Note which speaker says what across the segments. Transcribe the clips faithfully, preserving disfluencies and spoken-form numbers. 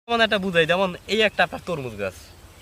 Speaker 1: যেমন একটা বুঝাই, যেমন এই একটা আপনার তরমুজ গাছ,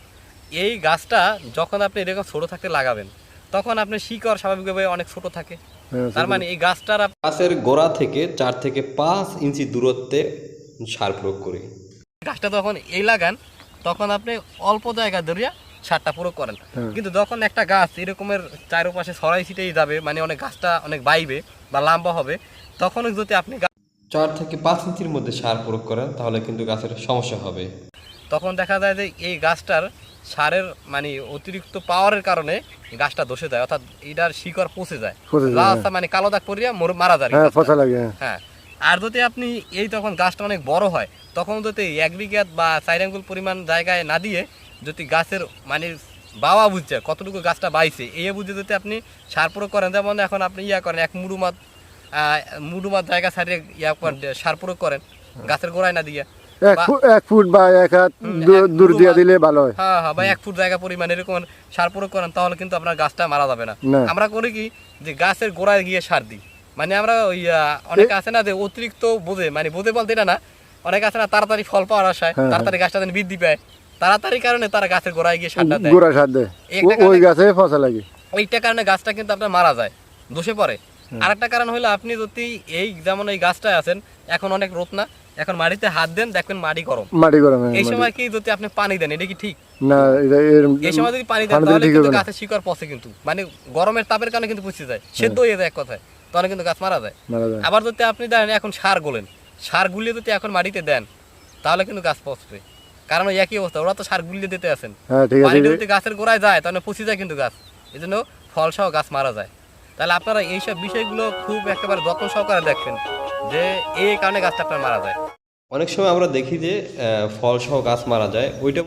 Speaker 1: এই গাছটা যখন আপনি এরকম ছোট থাকতে লাগাবেন তখন আপনার শিকড় স্বাভাবিকভাবে অনেক ছোট থাকে।
Speaker 2: হ্যাঁ,
Speaker 1: তার
Speaker 2: ছোট।
Speaker 1: মানে এই গাছটার আপ-
Speaker 3: গাছের গোড়া থেকে চার থেকে পাঁচ ইঞ্চি দূরত্বে সার প্রয়োগ করি।
Speaker 1: গাছটা যখন এই লাগান তখন আপনি অল্প জায়গা ধরিয়া সারটা প্রয়োগ করেন।
Speaker 2: হ্যাঁ।
Speaker 1: কিন্তু যখন একটা গাছ এরকমের চারপাশে ছড়াই ছিটেই যাবে, মানে অনেক গাছটা অনেক বাইবে বা লম্বা হবে, তখন যদি আপনি গা-
Speaker 3: চার থেকে পাঁচ ইঞ্চির মধ্যে সার প্রয়োগ করেন তাহলে কিন্তু গাছের সমস্যা হবে।
Speaker 1: তখন দেখা যায় যে এই গাছটার সারের মানে অতিরিক্ত পাওয়ারের কারণে গাছটা ধসে যায়, অর্থাৎ এটার শিকড় পচে যায়,
Speaker 2: পচে যায়,
Speaker 1: রাস্তা মানে কালো দাগ পড়িয়া মর- মারা যায়
Speaker 2: হ্যাঁ
Speaker 1: গাছটা।
Speaker 2: পচা লাগে, হ্যাঁ।
Speaker 1: হ্যাঁ। আর যদি আপনি এই তখন গাছটা অনেক বড় হয় তখন যদি এক বিঘাত বা চার আঙ্গুল পরিমাণ জায়গায় না দিয়ে যদি গাছের মানে বাওয়া বুঝছে কতটুকু গাছটা বাইছে এই বুঝে যদি আপনি সার প্রয়োগ করেন, যেমন এখন আপনি ইয়া করেন এক মুড়ুমাত মুড়ুমাত জায়গা ছাড়িয়ে ইয়া করেন, সার প্রয়োগ করেন গাছের গোড়ায় না দিয়ে,
Speaker 2: এক
Speaker 1: বা-
Speaker 2: ফুট এক ফুট বা এক হাত
Speaker 1: হুম,
Speaker 2: দূর-
Speaker 1: এক
Speaker 2: দূর দিয়ে
Speaker 1: ফুট
Speaker 2: দিলে ভালো হয়।
Speaker 1: হ্যাঁ হ্যাঁ বা এক ফুট জায়গা পরিমাণ এরকম সার প্রয়োগ করেন তাহলে কিন্তু আপনার গাছটা মারা যাবে না।
Speaker 2: না।
Speaker 1: আমরা করি কি যে গাছের গোড়ায় গিয়ে সার দিই, মানে আমরা ওই আহ, অনেক আছে না যে অতিরিক্ত বোঝে, মানে বোঝে বলতে এটা না, অনেক আছে না তাড়াতাড়ি ফল পাওয়ার আশায়
Speaker 2: হ্যাঁ,
Speaker 1: তাড়াতাড়ি গাছটা যেন বৃদ্ধি পায়, তাড়াতাড়ি কারণে তারা গাছের গোড়ায় গিয়ে সারটা দেয়।
Speaker 2: গোড়া সার দেয়,
Speaker 1: এই একটা
Speaker 2: ও- ওই
Speaker 1: কারণে-
Speaker 2: গাছে পচা লাগে।
Speaker 1: ওইটা কারণে গাছটা কিন্তু আপনার মারা যায়, ধসে পড়ে। আরেকটা কারণ হলো আপনি যদি এই যেমন এই গাছটায় আছেন এখন অনেক রোদ না, এখন মাটিতে হাত দেন দেখবেন মাটি গরম,
Speaker 2: মাটি গরম, হ্যাঁ,
Speaker 1: এই
Speaker 2: মাটি।
Speaker 1: সময় কি যদি আপনি পানি দেন এটা কি ঠিক?
Speaker 2: না, এটা এর-
Speaker 1: এই সময় যদি পানি দেন
Speaker 2: পানি দিলে
Speaker 1: তাহলে
Speaker 2: ঠিক
Speaker 1: কিন্তু
Speaker 2: হবে না।
Speaker 1: গাছের শিকড় পচে, কিন্তু মানে গরমের তাপের কারণে কিন্তু পচে যায়, সেদ্ধ হয়ে যায় এক কথায়, তাহলে কিন্তু গাছ মারা যায়।
Speaker 2: মারা যায়।
Speaker 1: আবার যদি আপনি দেন এখন সার গোলেন, সার গুলিয়ে যদি এখন মাটিতে দেন তাহলে কিন্তু গাছ পচবে, কারণ ওই একই অবস্থা, ওরা তো সার গুলিয়ে দিতে আছেন,
Speaker 2: হ্যাঁ, ঠিক আছে।
Speaker 1: পানিটা যদি গাছের গোড়ায় যায় তাহলে পচে যায় কিন্তু গাছ, এই জন্য ফল সহ গাছ মারা যায়। তাহলে আপনারা এইসব বিষয়গুলো খুব একেবারে যত্ন সহকারে দেখবেন যে এই কারণে গাছটা আপনার মারা যায়।
Speaker 3: অনেক সময় আমরা দেখি যে আহ, ফল সহ গাছ মারা যায়, ওইটা